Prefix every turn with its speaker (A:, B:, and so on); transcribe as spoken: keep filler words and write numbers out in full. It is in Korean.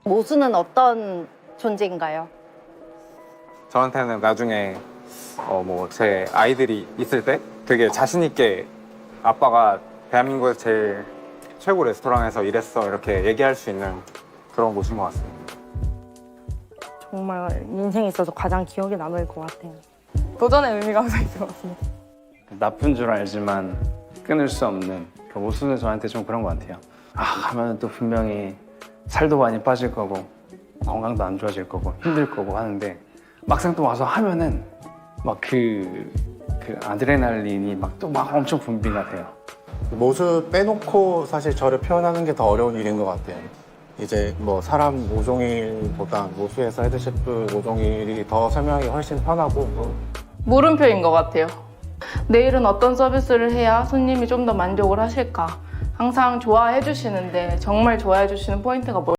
A: 모수는 어떤 존재인가요?
B: 저한테는 나중에 어 뭐 제 아이들이 있을 때 되게 자신 있게 아빠가 대한민국에서 제일 최고 레스토랑에서 일했어 이렇게 얘기할 수 있는 그런 곳인 것 같습니다.
C: 정말 인생에 있어서 가장 기억에 남을 것 같아요.
D: 도전의 의미가 항상 있는 것 같습니다.
E: 나쁜 줄 알지만 끊을 수 없는 그 모수는 저한테 좀 그런 것 같아요. 아, 하면 또 분명히 살도 많이 빠질 거고 건강도 안 좋아질 거고 힘들 거고 하는데 막상 또 와서 하면은 막 그 그 아드레날린이 막 또 막 엄청 분비가 돼요.
F: 모수 빼놓고 사실 저를 표현하는 게 더 어려운 일인 것 같아요. 이제 뭐 사람 오종일보다 모수에서 헤드셰프 오종일이 더 설명하기 훨씬 편하고
D: 물음표인 것 같아요. 내일은 어떤 서비스를 해야 손님이 좀 더 만족을 하실까? 항상 좋아해 주시는데 정말 좋아해 주시는 포인트가 뭐